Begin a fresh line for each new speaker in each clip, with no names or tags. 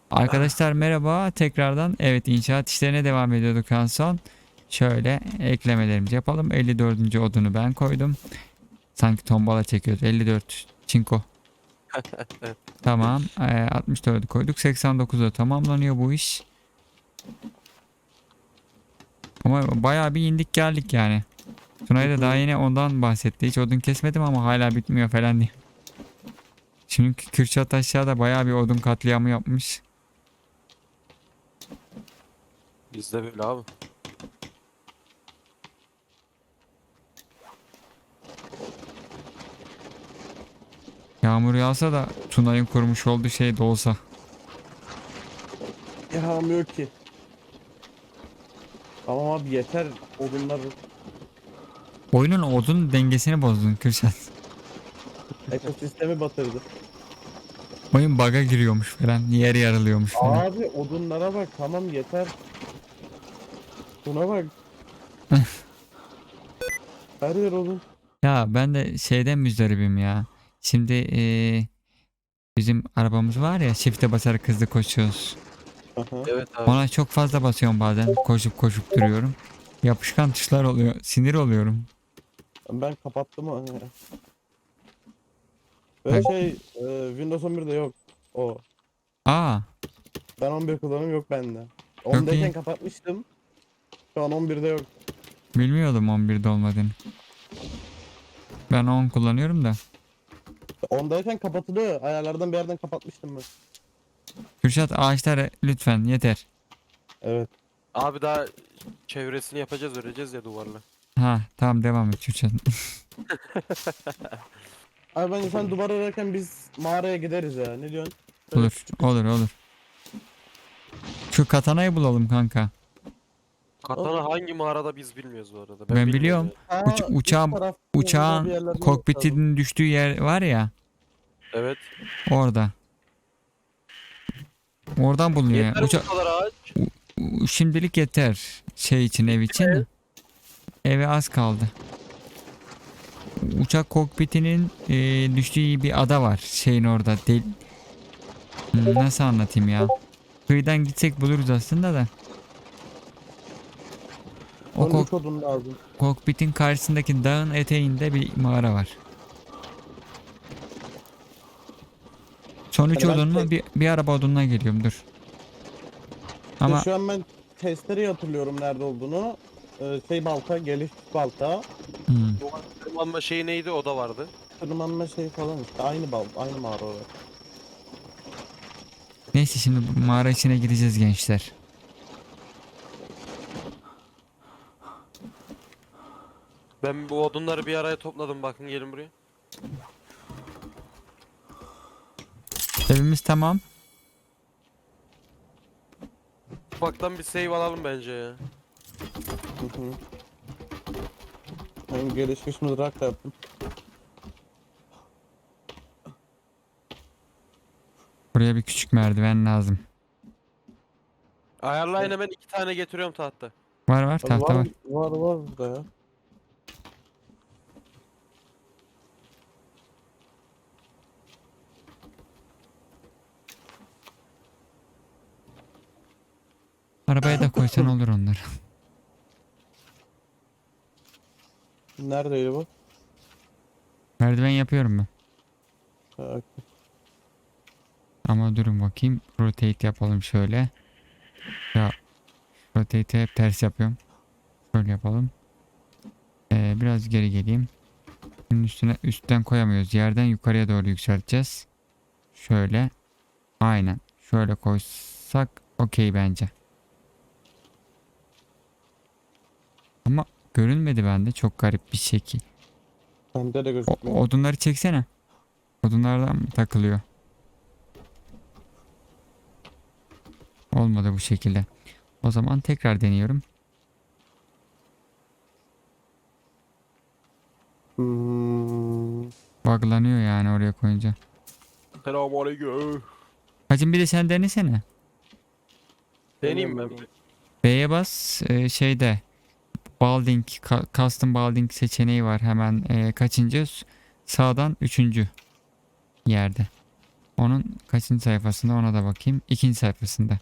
Arkadaşlar merhaba tekrardan. Evet, inşaat işlerine devam ediyorduk en son. Şöyle eklemelerimizi yapalım. 54. odunu ben koydum. Sanki tombala çekiyoruz. 54 çinko.
Evet.
Tamam. 64'ü koyduk. 89'da tamamlanıyor bu iş. Ama bayağı bir indik geldik yani. Tunay da daha yine ondan bahsetti. Hiç odun kesmedim ama hala bitmiyor falan diye. Çünkü Kürşat aşağıda bayağı bir odun katliamı yapmış.
Bizde böyle abi.
Yağmur yağsa da Tunay'ın kurmuş olduğu şey de olsa.
Yağmıyor ki. Tamam abi yeter odunlar
Oyunun odun dengesini bozdun Kürşat.
ekosistemi batırdı.
Oyun bug'a giriyormuş falan. Yer yarılıyormuş falan.
Abi odunlara bak tamam yeter. Buna bak her yer odun.
Ya ben de şeyden müzdaribim ya. Şimdi bizim arabamız var ya, çifte basarak hızlı koşuyoruz.
Aha.
Evet abi.
Ona çok fazla basıyorum bazen. Koşup koşup duruyorum. Yapışkan tuşlar oluyor. Sinir oluyorum.
Ben kapattım onu ya.
Bak.
Ve Windows 11'de yok o.
Aa,
Ben 11 kullanım yok bende.
çok iyi.
10'dayken kapatmıştım. Şu an 11'de yok.
Bilmiyordum 11'de olmadığını. Ben 10 kullanıyorum da.
10'dayken kapatılı. Ayarlardan bir yerden kapatmıştım ben.
Kürşat, ağaçları lütfen yeter.
Evet.
Abi daha çevresini yapacağız, öreceğiz ya duvarla.
Ha tamam, devam et Kürşat.
Abi bence sen duvar ararken biz mağaraya gideriz ya. Ne diyorsun? Böyle
Olur
küçük
olur olur. Şu katanayı bulalım kanka.
Katana hangi mağarada biz bilmiyoruz bu arada.
Ben
Bilmiyorum
biliyorum.
yani.
Üst
Uçağın
tarafta burada bir
uçağın
yerlerde olması lazım.
kokpitinin düştüğü yer var ya,
Evet.
orada. Oradan bulunuyor yani.
Yeter bu kadar ağaç.
Şimdilik yeter. Şey için, ev için de. Eve az kaldı. Uçak kokpitinin düştüğü bir ada var. Şeyin orada. Nasıl anlatayım ya? Kıyıdan gitsek buluruz aslında da. O
13 odun lazım.
kokpitin karşısındaki dağın eteğinde bir mağara var. Son 3
Hani ben
odun mu? Bir araba odununa geliyorum, dur. Ama
şu an ben testereyi hatırlıyorum nerede olduğunu. Balta, geliş balta,
hmm,
Duvar tırmanma şeyi neydi, o da vardı.
tırmanma falan işte aynı balta, aynı mağara orası.
neyse, şimdi bu mağara içine gireceğiz gençler.
Ben bu odunları bir araya topladım, bakın gelin buraya.
Evimiz tamam.
Ufaktan bir save alalım bence ya.
Hı hı. Ben gelişmiş mızrak da yaptım.
Buraya bir küçük merdiven lazım.
Ayarlayın, hemen 2 tane getiriyorum tahta.
Var var,
Abi
tahta var.
var burada ya.
Arabaya da koysan olur onları.
Neredeydi bu?
Merdiven yapıyorum ben.
Ha,
Ama durun bakayım. Rotate yapalım şöyle. Ya, rotate'i hep ters yapıyorum. Şöyle yapalım. Biraz geri geleyim. Bunun üstüne, üstten koyamıyoruz. Yerden yukarıya doğru yükselteceğiz. Şöyle. Aynen. Şöyle koysak okey bence. Ama görünmedi bende. Çok garip bir şekil.
bende de gözükmüyor.
Odunları çeksene. Odunlardan mı takılıyor? Olmadı bu şekilde. O zaman tekrar deniyorum.
Hmm.
Buglanıyor yani oraya koyunca.
Selamünaleyküm.
Hacım, bir de sen denesene.
Deneyeyim ben.
B'ye bas, şeyde Balding, Custom Balding seçeneği var hemen, kaçıncı? Sağdan üçüncü yerde. Onun kaçıncı sayfasında ona da bakayım. İkinci sayfasında.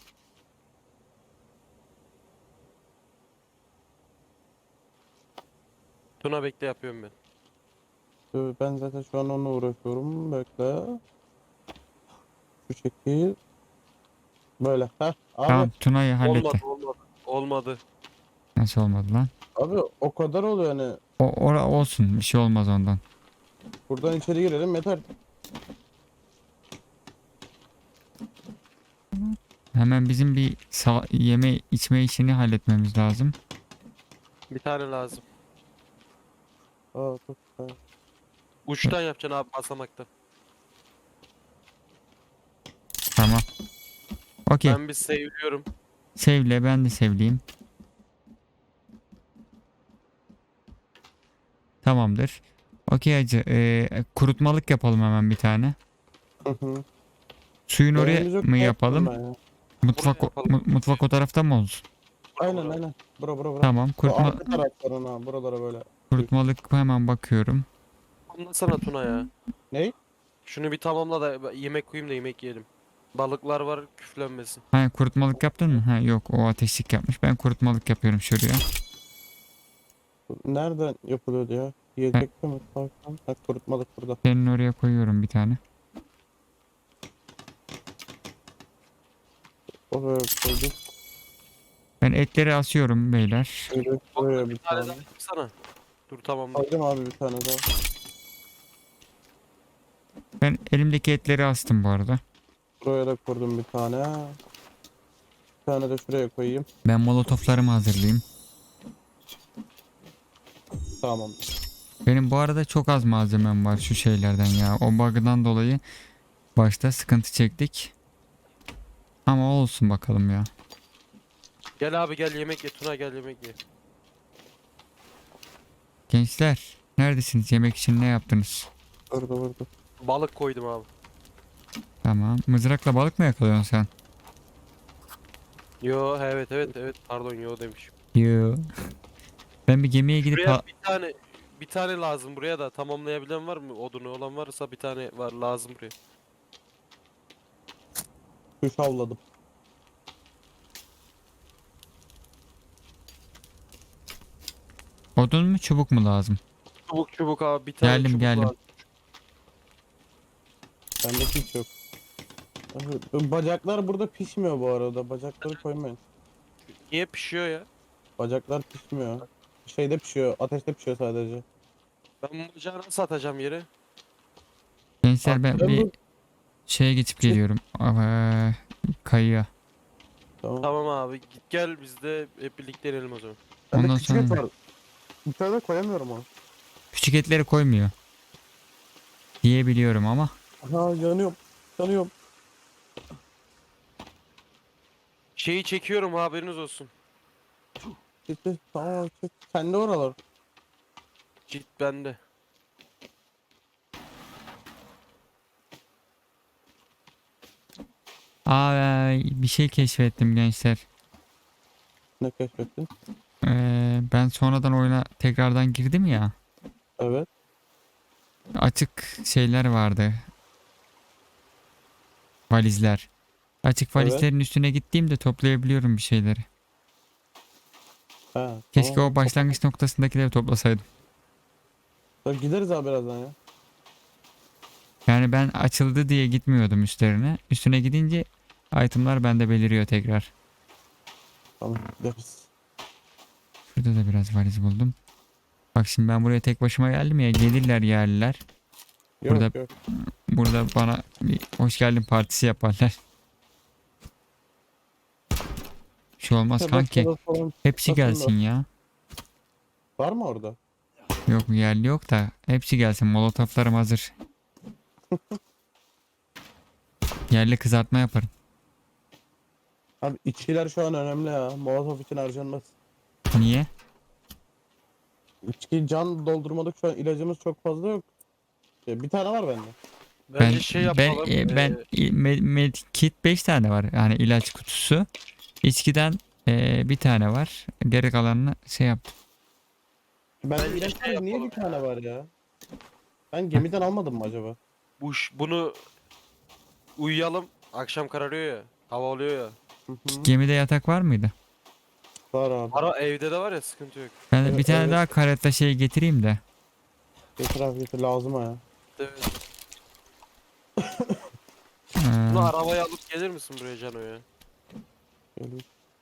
Tuna bekle yapıyorum ben.
Ben zaten şu an onunla uğraşıyorum. Bekle. Şu şekil. Böyle. Heh. Abi.
Tamam, Tuna'yı
Olmadı
halletti.
olmadı. Olmadı.
Nasıl olmadı lan?
Abi o kadar oluyor hani.
Ora olsun, bir şey olmaz ondan.
Buradan içeri girelim yeter.
Hemen bizim bir yeme içme işini halletmemiz lazım.
Bir tane lazım.
Aa çok güzel.
Uçtan yapacaksın abi basamakta.
Tamam. Okey.
Ben bir seviyorum.
Sevle, ben de sevleyeyim. Tamamdır. Okey hacı. Kurutmalık yapalım hemen bir tane.
Hı hı.
Suyun oraya
Beğenimiz yok,
mı
korktum
yapalım?
ben ya.
Mutfak
Buraya yapalım.
mutfak o tarafta mı olsun?
Aynen aynen. Bura.
Tamam.
Bu arka taraflarına buralara böyle.
Kurutmalık hemen bakıyorum.
Anlasana Tuna ya.
Ney?
Şunu bir tamamla da yemek koyayım da yemek yiyelim. Balıklar var küflenmesin.
Ha, kurutmalık yaptın mı? Ha, yok, o ateşlik yapmış. Ben kurutmalık yapıyorum şuraya.
Nereden yapılıyordu ya?
Ben
Yiyecekte mi? Farklı. Ha, kurutmalık burada.
senin oraya koyuyorum bir tane.
Oraya koyduk.
Ben etleri asıyorum beyler.
Şöyle buraya bir
Bir tane
tane.
daha yapsana. Dur tamam.
Koydum abi bir tane daha.
Ben elimdeki etleri astım bu arada.
Buraya da kurdum bir tane. Bir tane de şuraya koyayım.
Ben molotoflarımı hazırlayayım.
Tamam.
Benim bu arada çok az malzemem var şu şeylerden ya. O bug'dan dolayı başta sıkıntı çektik. Ama olsun bakalım ya.
Gel abi gel yemek ye Tuna gel yemek ye.
Gençler, neredesiniz? Yemek için ne yaptınız?
Vurdu.
Balık koydum abi.
Tamam. Mızrakla balık mı yakalıyorsun sen?
Yo evet pardon yo demişim.
Yo. Ben bir gemiye gidip
Buraya bir tane lazım buraya da tamamlayabilen var mı? Odunu olan varsa bir tane var lazım buraya.
Kuş avladım.
odun mu çubuk mu lazım?
Çubuk abi bir tane
Geldim
çubuk
geldim.
lazım.
Bende hiç yok. Bacaklar burada pişmiyor bu arada. Bacakları koymayın.
Niye pişiyor ya?
Bacaklar pişmiyor. Şeyde pişiyor. Ateşte pişiyor sadece.
Ben bu bacağı nasıl atacağım yere?
Gençler, ben
Ben
bir
bu...
şeye geçip
Şey-
geliyorum. Kayıya.
Tamam.
Tamam abi git gel biz de hep birlikte inelim o zaman.
Bende
Ondan
küçük et
sonra
var. Bir tane de koyamıyorum onu.
küçük etleri koymuyor. Diyebiliyorum ama.
Ha yanıyorum. Yanıyorum.
Şeyi çekiyorum haberiniz olsun.
Gitti. Tamam çık. Sende oralar.
Git bende.
Bir şey keşfettim gençler.
Ne keşfettin?
Ben sonradan oyuna tekrardan girdim ya.
Evet.
Açık şeyler vardı. Valizler. Açık
Evet.
valizlerin üstüne gittiğimde toplayabiliyorum bir şeyleri.
Ha,
Keşke
tamam.
o başlangıç noktasındakileri toplasaydım.
Gideriz abi birazdan ya.
Yani ben açıldı diye gitmiyordum üstlerine. Üstüne gidince itemlar bende beliriyor tekrar.
Tamam gideriz.
Şurada da biraz valiz buldum. Bak şimdi ben buraya tek başıma geldim ya. Gelirler yerliler.
Yok
Burada-
yok.
Burada bana bir hoş geldin partisi yaparlar. Bir şey olmaz kanki.
Şurada falan
Hepsi
çıkmasın da.
gelsin ya.
Var mı orada?
Yok, yerli yok da hepsi gelsin. Molotoflarım hazır. Yerli kızartma yaparım.
Abi içkiler şu an önemli ya. Molotov için harcanmaz.
Niye?
İçki can doldurmadık şu an ilacımız çok fazla yok. Bir tane var bende.
Bence şey yapalım.
Medkit 5 tane var. Yani ilaç kutusu. İçkiden bir tane var. Geri kalanını şey yaptım.
Bende
Bence
ilaç
şey
var, niye
yapalım
bir tane var ya? Ben gemiden almadım mı acaba?
bunu uyuyalım. Akşam kararıyor ya. Hava oluyor ya.
Hı hı.
Gemide yatak var mıydı?
Var abi.
Ara evde de var ya, sıkıntı yok.
Ben
Evet,
bir tane
evet.
daha karetta şey getireyim de.
Getir abi getir, lazım ha ya.
Evet.
Ee,
Bunu arabaya alıp gelir misin buraya Cano ya?
Gelin.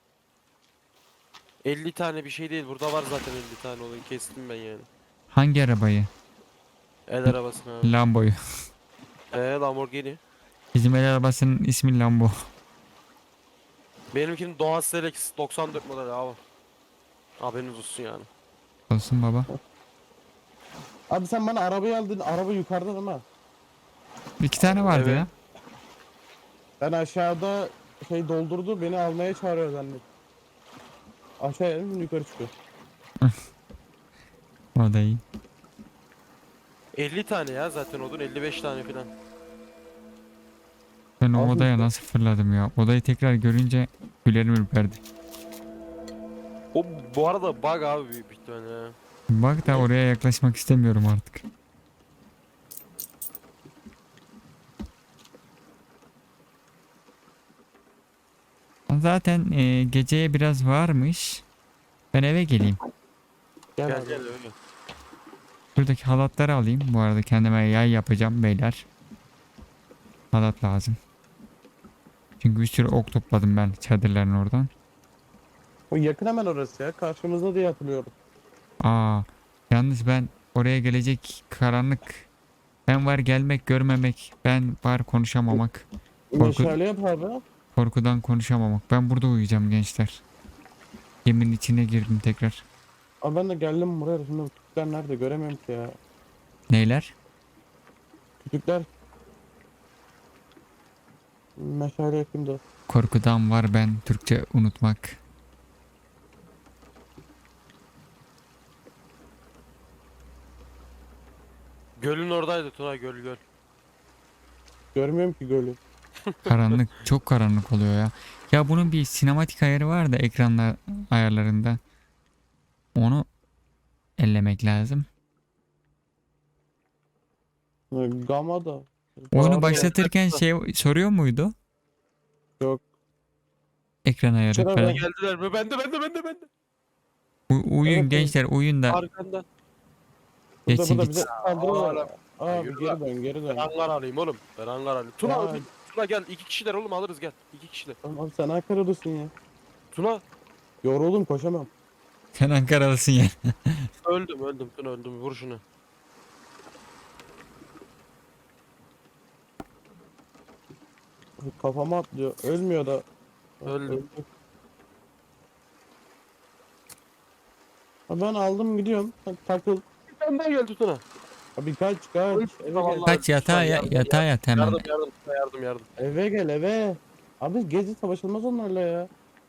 50 tane bir şey değil. Burada var zaten 50 tane olayı. Kestim ben yani.
hangi arabayı?
El arabasını abi.
Lambo'yu.
Lamborghini.
Bizim el arabasının ismi Lambo.
Benimkinin Doğan Selex 94 model abi. Haberiniz olsun yani.
Olsun baba.
Abi sen bana arabayı aldın. Araba yukarıda değil mi?
2 tane vardı
Evet.
ya.
Ben aşağıda şey doldurdu, beni almaya çağırıyor zannet. Aşağıya indim, yukarı çıkıyor.
O da iyi.
50 tane ya zaten odun, 55 tane falan.
Ben o
Abi
odaya
işte.
nasıl fırladım ya. Odayı tekrar görünce gülerim ürperdi.
O bu arada bug abi, büyük bir ihtimalle ya.
Bak da oraya yaklaşmak istemiyorum artık. Zaten geceye biraz varmış. Ben eve geleyim.
Gel,
Gel
abi.
gel öyle.
Buradaki halatları alayım. Bu arada kendime yay yapacağım beyler. Halat lazım. Çünkü bir sürü ok topladım ben çadırların oradan.
O yakın hemen orası ya. Karşımızda diye hatırlıyorum.
Aa, yalnız ben oraya gelecek karanlık. Ben var gelmek görmemek. Ben var konuşamamak.
Meşale yap abi.
Korkudan konuşamamak. Ben burada uyuyacağım gençler. Geminin içine girdim tekrar.
Abi ben de geldim buraya. Şimdi bu kütükler nerede? Göremiyorum ki ya.
Neyler?
Kütükler. Meşale yakayım da.
Korkudan var ben Türkçe unutmak.
Gölün oradaydı Tuna, göl.
Görmüyorum ki gölü.
Karanlık çok karanlık oluyor ya. Ya bunun bir sinematik ayarı var da ekranlar ayarlarında. Onu ellemek lazım.
Gamma da.
Oyunu
Bağırıyor.
başlatırken şey soruyor muydu?
Yok.
Ekran ayarı
Şurada
falan.
ben-
Geldiler mi? Bende.
Uyuyun
Evet,
gençler uyuyun da
Arkanda.
Burada
geçsin
burada
gitsin.
bize saldırıyorlar. Abi
Yürü
geri dön geri
Ben
dön.
hangar alayım oğlum. Ben hangar alayım. Tuna,
Ya.
Tuna gel. 2 kişiler oğlum, alırız gel. 2 kişiler.
Tamam abi sen Ankara'dasın ya.
Tuna.
Yoruldum koşamam.
Sen Ankaralısın ya.
Öldüm Tuna, öldüm. Vur şunu.
Kafama atlıyor. Ölmüyor da.
Öldüm.
Öldü. Abi ben aldım gidiyorum. Takıl.
Bir tane daha geldi Tuna.
Abi kaç kaç. Eve gel.
Vallahi
Kaç yatağa yatağa yat hemen.
Yardım.
Eve gel eve. Abi gezi savaşılmaz onlarla ya.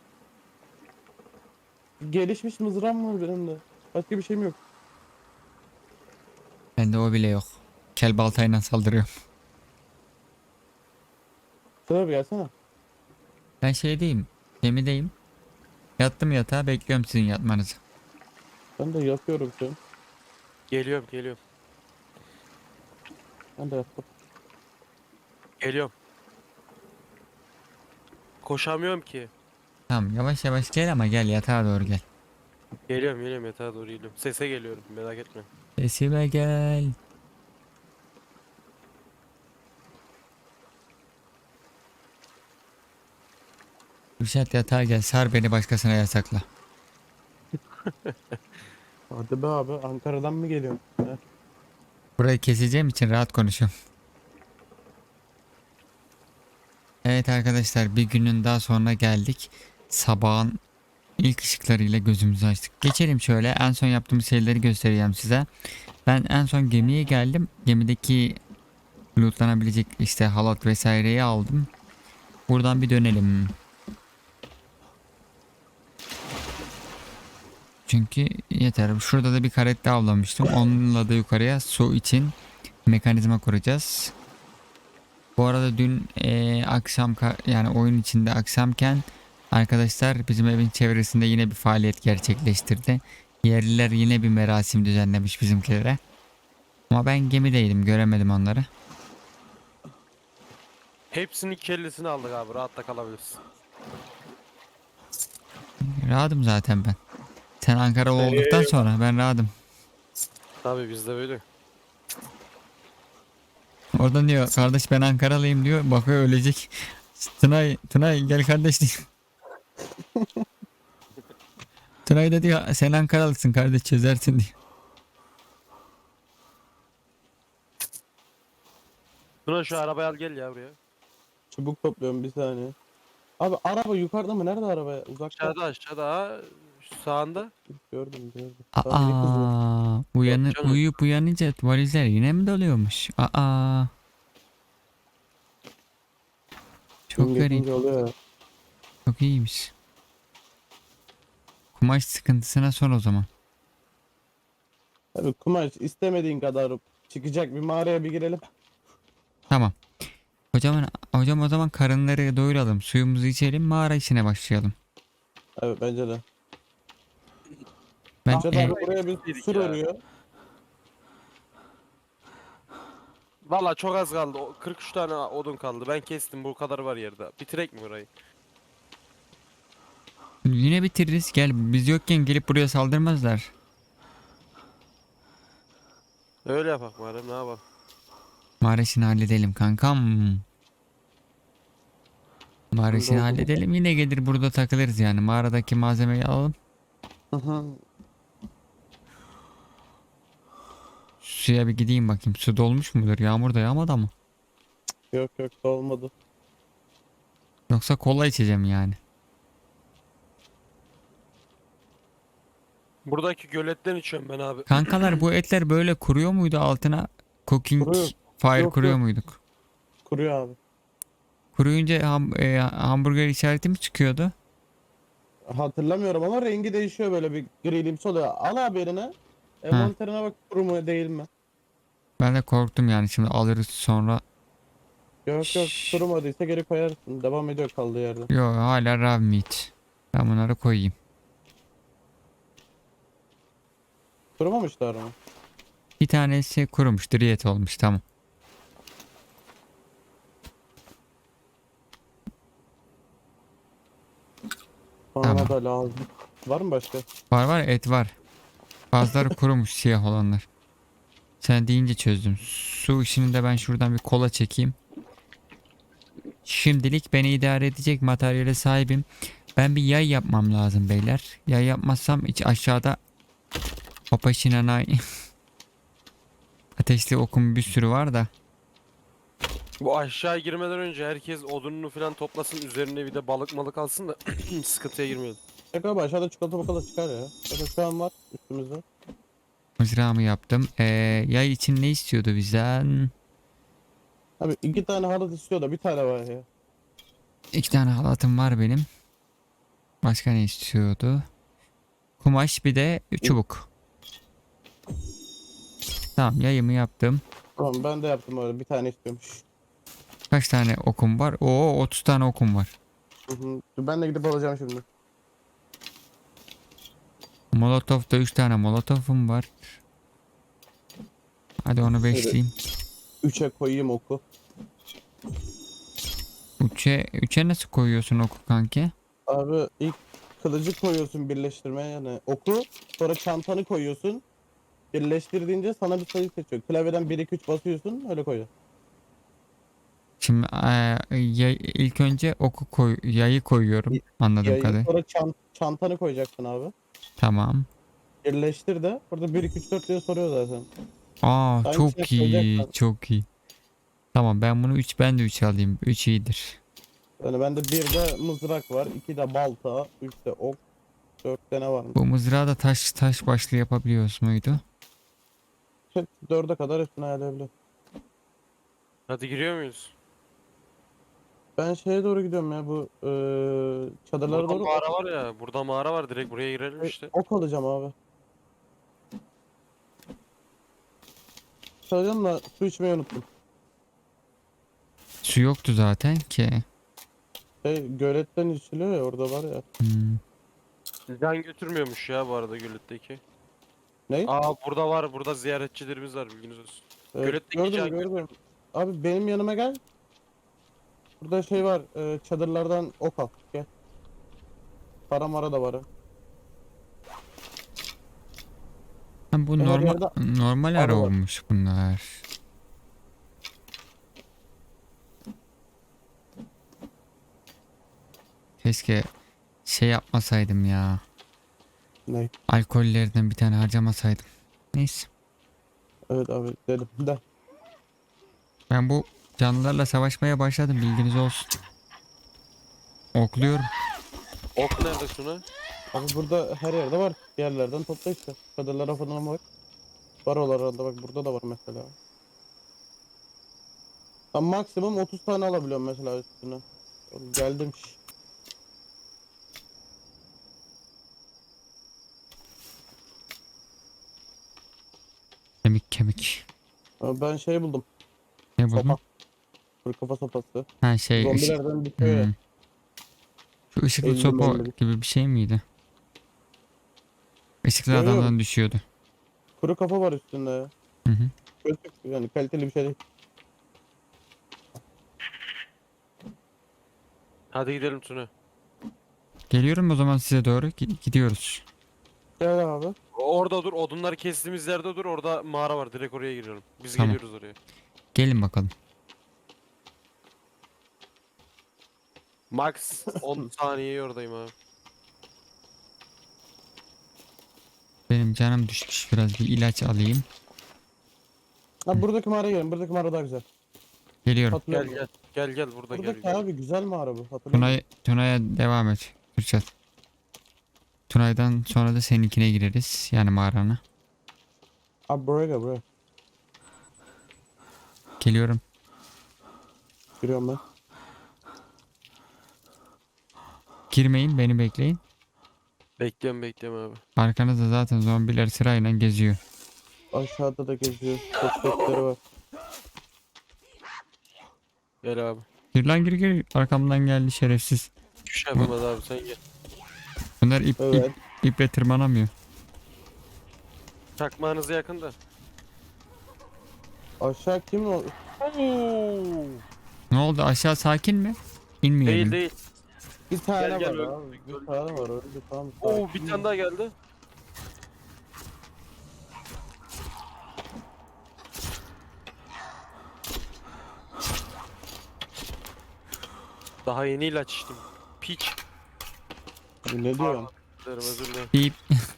Gelişmiş mızrağım var benim de. Başka bir şeyim yok.
Bende o bile yok. Kel baltayla saldırıyor.
Sıra bir gelsene.
Ben şeydeyim. Gemideyim. Yattım yatağa bekliyorum sizin yatmanızı.
Ben de yatıyorum şu an.
Geliyorum.
Ben de yattım.
Geliyorum. Koşamıyorum ki.
Tamam yavaş yavaş gel ama gel yatağa doğru gel.
Geliyorum yatağa doğru geliyorum. Sese geliyorum, merak etme.
Sesime gel. Kürşat yatağa gel sar beni başkasına yasakla.
Hadi be abi Ankara'dan mı geliyorsun? He.
Burayı keseceğim için rahat konuşuyorum. Evet arkadaşlar bir günün daha sonra geldik. Sabahın ilk ışıklarıyla gözümüzü açtık. Geçelim şöyle en son yaptığımız şeyleri göstereceğim size. Ben en son gemiye geldim. Gemideki lootlanabilecek işte halat vesaireyi aldım. Buradan bir dönelim. Çünkü yeter. Şurada da bir karette avlamıştım. Onunla da yukarıya su için mekanizma kuracağız. Bu arada dün akşam yani oyun içinde akşamken arkadaşlar bizim evin çevresinde yine bir faaliyet gerçekleştirdi. Yerliler yine bir merasim düzenlemiş bizimkilere. Ama ben gemideydim göremedim onları.
Hepsinin kellesini aldık abi. Rahatta kalabilirsin.
Rahatım zaten ben. Sen Ankaralı olduktan sonra ben rahatım.
Tabii bizde böyle.
Oradan diyor kardeş ben Ankaralıyım diyor. Bakıyor ölecek. Tunay gel kardeş diyor. Tunay da diyor sen Ankaralısın kardeş çözersin diyor.
Tuna şu arabayı al gel ya buraya.
Çubuk topluyorum bir saniye. Abi araba yukarıda mı? Nerede araba? Uzakta.
Aşağıda ha. Şu sağında.
Gördüm. Tamam biri kızıyor.
Aa,
Yok canım.
uyuyup uyanınca valizler yine mi doluyormuş? Aa,
Gün
çok garip.
geçince oluyor ya.
Çok iyiymiş. Kumaş sıkıntısına son o zaman.
Tabii kumaş istemediğin kadar çıkacak bir mağaraya bir girelim.
Tamam. Hocam o zaman karınları doyuralım. Suyumuzu içelim. Mağara işine başlayalım.
Evet bence de.
Ben
Amca da abi buraya bir
Dedik
sur
ya.
örüyor.
Valla çok az kaldı. 43 tane odun kaldı. Ben kestim. Bu kadar var yerde. Bitirek mi burayı?
yine bitiririz. Gel biz yokken gelip buraya saldırmazlar.
Öyle yapak madem ne yapalım.
Mağara işini halledelim kankam. Mağara işini
Oldu.
halledelim. Yine gelir burada takılırız yani. Mağaradaki malzemeyi alalım.
Hı hı.
Suya bir gideyim bakayım. Su dolmuş mudur? Yağmur da yağmadı ama.
Yok olmadı.
Yoksa kola içeceğim yani.
Buradaki göletten içiyorum ben abi.
Kankalar bu etler böyle kuruyor muydu altına? Cooking
Kuruyor.
fire
Yok,
kuruyor
yok.
muyduk?
Kuruyor abi.
Kuruyunca hamburger işareti mi çıkıyordu?
Hatırlamıyorum ama rengi değişiyor böyle bir grilimsi oluyor. Al abi eline.
Ha,
Envanterine bak kuru mu değil mi?
ben de korktum yani şimdi alırız sonra.
Yok
Şşş.
kurumadıysa geri koyarsın. Devam ediyor kaldığı yerde.
Yo hala raw meat. Ben bunları koyayım.
Kurumamışlar mı?
Bir tanesi kurumuş, diyet olmuş tamam.
Bana
Tamam.
da lazım. Var mı başka?
Var et var. Bazıları kurumuş siyah olanlar. Sen deyince çözdüm. Su işini de ben şuradan bir kola çekeyim. Şimdilik beni idare edecek materyale sahibim. Ben bir yay yapmam lazım beyler. Yay yapmazsam hiç aşağıda Papaşinanay ateşli okum bir sürü var da.
Bu aşağı girmeden önce herkes odununu falan toplasın. Üzerine bir de balık malık alsın da sıkıntıya girmeyelim.
Yok abi aşağıda çikolata bakalım çıkar ya. Zaten şu an var üstümüzde.
Mızrağımı yaptım. Yay için ne istiyordu bizden?
Abi 2 tane halat istiyor da bir tane var ya.
2 tane halatım var benim. Başka ne istiyordu? Kumaş bir de çubuk. Tamam yayımı yaptım.
Tamam ben de yaptım öyle bir tane istiyormuş.
Kaç tane okum var? Oo 30 tane okum var.
Hı hı. Dur ben de gidip alacağım şimdi.
Molotof'ta 3 tane molotofum var. Hadi onu
Şöyle
beşleyeyim.
3'e koyayım oku.
Üçe nasıl koyuyorsun oku kanki?
Abi ilk kılıcı koyuyorsun birleştirmeye yani oku. Sonra çantanı koyuyorsun. Birleştirdiğince sana bir sayı seçiyor. Klavyeden 1 2 3 basıyorsun öyle koyuyor.
Şimdi ilk önce yayı koyuyorum anladığım
Yayı
kadarıyla.
sonra çantanı koyacaksın abi.
Tamam.
Birleştir de burada 1 2 3 4 diye soruyor zaten.
Aa
Hangisini
çok iyi
koyacaksan.
çok iyi. Tamam ben de 3 alayım. 3 iyidir.
Yani bende 1'de mızrak var, 2'de balta, 3'te ok, 4'te ne var mı?
Bu mızrağı da taş başlı yapabiliyoruz muydu?
4'e kadar hepsini ayarlayabiliyorum.
Hadi giriyor muyuz?
Ben şeye doğru gidiyorum ya bu çadırlara
Burada
doğru
mağara var ya. Burada mağara var. Direkt buraya girelim işte.
ok alacağım abi. Çalacağım da su içmeyi unuttum.
Su yoktu zaten ki.
Göletten içiliyor ya orada var ya.
Hmm.
Can götürmüyormuş ya bu arada göletteki.
Ne?
Aa burada var. Burada ziyaretçilerimiz var bilginiz olsun. Göletteki can
Gördüm. Abi benim yanıma gel. Burada şey var. Çadırlardan ok al. Gel. Para mara da var. Ha.
Ha, bu
Her
normal
yerde
normal
arı
ara
var.
olmuş bunlar. Keşke şey yapmasaydım ya.
Ne?
Alkollerden bir tane harcamasaydım. Neyse.
Evet abi dedim. De.
Ben bu canlılarla savaşmaya başladım, bilginiz olsun. Okluyorum.
Ok nerede Tuna?
Abi burada her yerde var. Yerlerden topla işte. Çadırlara falan var. Barolarda bak burada da var mesela. Ben maksimum 30 tane alabiliyorum mesela üstüne. Geldim.
Kemik kemik.
Abi ben şey buldum.
Ne
Sopa.
buldun?
Kuru kafa sopası.
Ha şey ışık.
Zombilerden bitiyor ya.
Şu ışıklı
50
sopa
50.
gibi bir şey miydi? Işıklı
Yok yok.
adamdan düşüyordu.
Kuru kafa var üstünde ya.
Hı hı.
Gözlük yani kaliteli bir şey değil.
Hadi gidelim Tuna.
Geliyorum o zaman size doğru. Gidiyoruz.
Gel abi.
Orada dur. Odunları kestiğimiz yerde dur. Orada mağara var. Direkt oraya giriyorum. Biz
Tamam.
geliyoruz oraya.
Gelin bakalım.
Max 10 saniye oradayım abi.
Benim canım düşmüş. Biraz bir ilaç alayım.
Ha buradaki mağaraya gelin. Buradaki mağara daha güzel.
Geliyorum.
Gel
Hatırlıyorum.
gel. Gel burada
Buradaki
gel.
abi güzel mağara bu. Hatırlıyorum.
Tuna'ya devam et. Kürşat. Tunay'dan sonra da seninkine gireriz. Yani mağarana.
Abi buraya gel buraya.
Geliyorum.
Giriyorum ben.
Girmeyin, beni bekleyin.
Bekliyorum abi.
Arkanızda zaten zombiler sırayla geziyor.
Aşağıda da geziyor. Sesleri var.
Gel abi.
Gir lan, gir. Arkamdan geldi şerefsiz.
Hiçbir şey yapamaz abi sen gel.
Bunlar
Evet.
iple tırmanamıyor.
Çakmağınıza yakın da.
Aşağı kim o?
Ne oldu, aşağı sakin mi? İnmeyelim.
Değil.
Bir tane
Gel,
var abi. Bir tane var öyle tamam.
Oo
sakin
bir tane
ol.
daha geldi. Daha yeni ilaç içtim. Piç.
Abi ne diyorsun?
Özür dilerim.
Deyip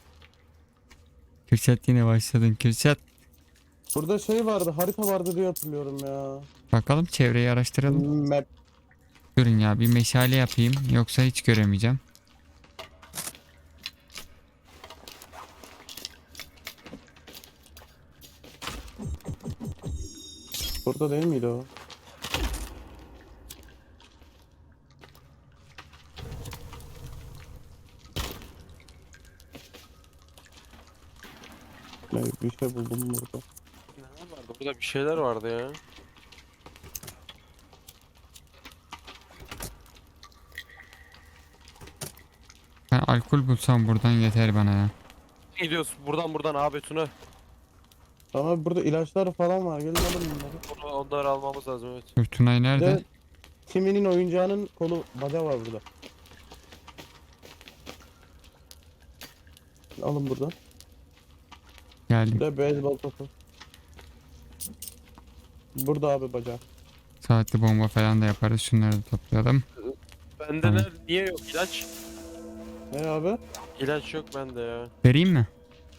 Kürşat yine başladın. Kürşat,
Burada şey vardı, harita vardı diye hatırlıyorum ya.
bakalım çevreyi araştıralım.
Map.
Durun ya, bir meşale yapayım yoksa hiç göremeyeceğim.
Burada değil miydi o? Ne, bir şey buldum burada.
Ne vardı? Burada bir şeyler vardı ya.
Ben alkol bulsam buradan yeter bana ya.
Gidiyoruz buradan abi Tuna.
Ama burada ilaçlar falan var. Gelin alın bunları.
Onları almamız lazım evet.
Dur, Tunay
Bir
nerede?
de Timmy'nin oyuncağının kolu bacağı var burada. Alın buradan. Bir
Geldim.
de beyzbol topu. Burada abi bacağı.
Saatli bomba falan da yaparız. Şunları da toplayalım.
Bende
Tamam.
niye yok ilaç?
Ne abi?
İlaç yok bende ya.
Vereyim mi?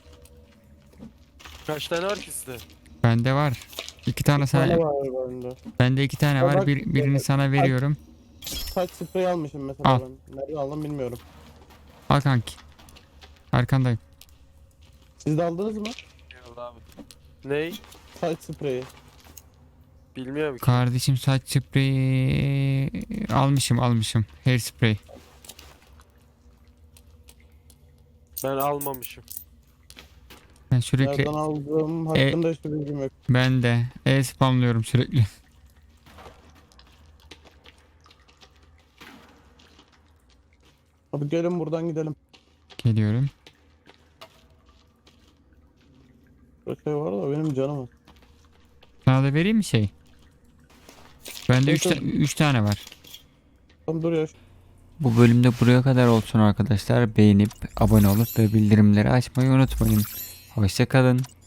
Kaç tane var ki sizde?
Bende var. İki tane
Bir tane
sana.
var bende.
Bende iki tane
Ya
var.
bak,
Birini sana veriyorum.
Saç spreyi almışım mesela
Al.
ben. Nereden aldım bilmiyorum.
Al kanki. Arkandayım.
Siz de aldınız mı?
Eyvallah abi. Ney?
Saç spreyi.
Bilmiyorum ki.
Kardeşim, saç spreyi almışım. Hair spray.
Ben almamışım.
Ben sürekli
Nereden aldım hakkında hiçbir bilgim yok.
ben de spamlıyorum sürekli.
Abi gelin buradan gidelim.
Geliyorum.
Burada şey var da benim canım var.
Sana da vereyim mi şey? Bende
Evet,
3 tane var.
Tam duruyor.
Bu bölümde buraya kadar olsun arkadaşlar. Beğenip abone olup ve bildirimleri açmayı unutmayın. Hoşça kalın.